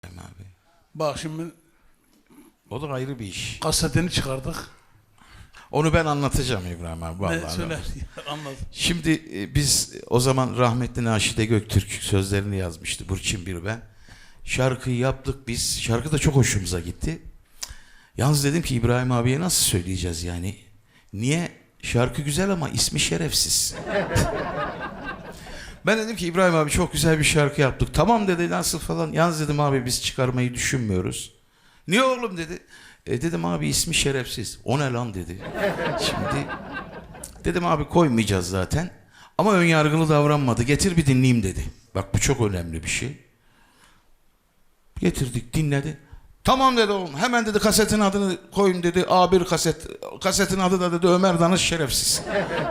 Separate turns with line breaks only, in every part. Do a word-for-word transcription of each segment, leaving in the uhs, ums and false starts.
Abi.
Bak şimdi
O da ayrı bir iş.
kasetini çıkardık.
Onu ben anlatacağım İbrahim abi. Vallahi
Ne söyler?
anlatacağım.
Anlat.
Şimdi e, biz o zaman rahmetli Naşide Göktürk sözlerini yazmıştı. Burçin bir ben. Şarkıyı yaptık biz. Şarkı da çok hoşumuza gitti. Yalnız dedim ki İbrahim abiye nasıl söyleyeceğiz yani? Niye? Şarkı güzel ama ismi şerefsiz. Ben dedim ki İbrahim abi çok güzel bir şarkı yaptık. Tamam dedi, nasıl falan. Yalnız dedim abi biz çıkarmayı düşünmüyoruz. Niye oğlum dedi. E dedim abi ismi şerefsiz. O ne lan dedi. Şimdi dedim abi koymayacağız zaten. Ama önyargılı davranmadı. Getir bir dinleyeyim dedi. Bak bu çok önemli bir şey. Getirdik, dinledi. Tamam dedi oğlum. Hemen dedi kasetin adını koyun dedi. A bir kaset. Kasetin adı da dedi Ömer Danış şerefsiz.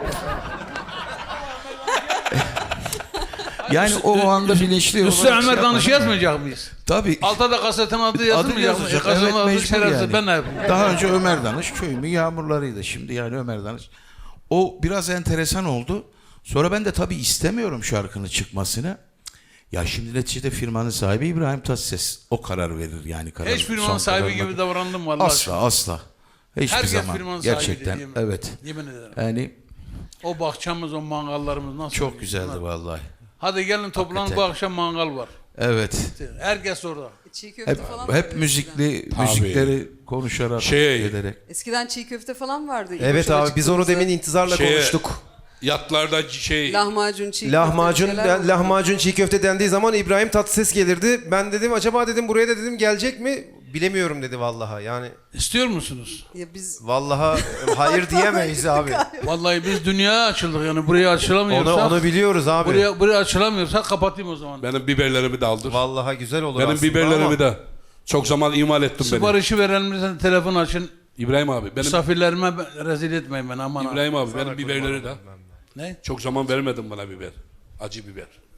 Yani o anda bilinçli olarak
Üstüne Ömer
şey
Danış'ı
yapmadım.
yazmayacak mıyız?
Tabii.
Altta da kasetin adı yazılmayacak mı?
yazacak.
Kasetin
Evet,
adı
mecbur
şerefsiz.
yani.
Ben ne yapayım?
Daha önce Ömer Danış Köyümün Yağmurları'ydı. Şimdi yani Ömer Danış. O biraz enteresan oldu. Sonra ben de tabii istemiyorum şarkının çıkmasını. Ya şimdi neticede firmanın sahibi İbrahim Tatlıses. O karar verir yani. Karar,
Hiç firmanın sahibi gibi davrandım vallahi.
Asla asla. Hiçbir
Herkes
zaman.
firmanın
Gerçekten
sahibiydi, yemin-
evet.
Yemin ederim.
Yani
O bahçemiz, o mangallarımız nasıl?
çok
oluyor?
güzeldi
Bunlar-
vallahi.
Hadi gelin toplanın,
Hakikaten.
bu akşam mangal var.
Evet.
Herkes orada.
Çiğ köfte
Hep,
falan
hep
vardı
müzikli,
Tabii.
müzikleri konuşarak,
Şey-
ederek.
eskiden. Eskiden çiğ köfte falan vardı.
Evet
İboş'a
abi biz onu
çıktığımızda
demin intizarla
Şeye-
konuştuk.
Yatlarda şey
lahmacun, çiğ
Lahmacun,
köfte şeyler
ben-
oldu.
lahmacun çiğ köfte dendiği zaman İbrahim Tatlıses gelirdi. Ben dedim acaba dedim buraya da dedim gelecek mi? Bilemiyorum dedi vallahi. Yani
İstiyor musunuz?
Ya biz
vallahi hayır diyemeyiz abi.
Vallahi biz dünyaya açıldık yani buraya açılamıyorsak.
Onu onu biliyoruz abi.
buraya, buraya açılamıyorsak kapatayım o zaman.
benim biberlerimi de aldır.
Vallahi güzel olur
Benim
aslında
biberlerimi
ama
de çok zaman imal ettim beni.
Siparişi verenlerden telefon açın.
İbrahim abi benim
Misafirlerime ben- rezil etmeyin beni aman ha.
İbrahim abi benim biberleri de
Ne?
çok zaman vermedin bana biber. Acı biber.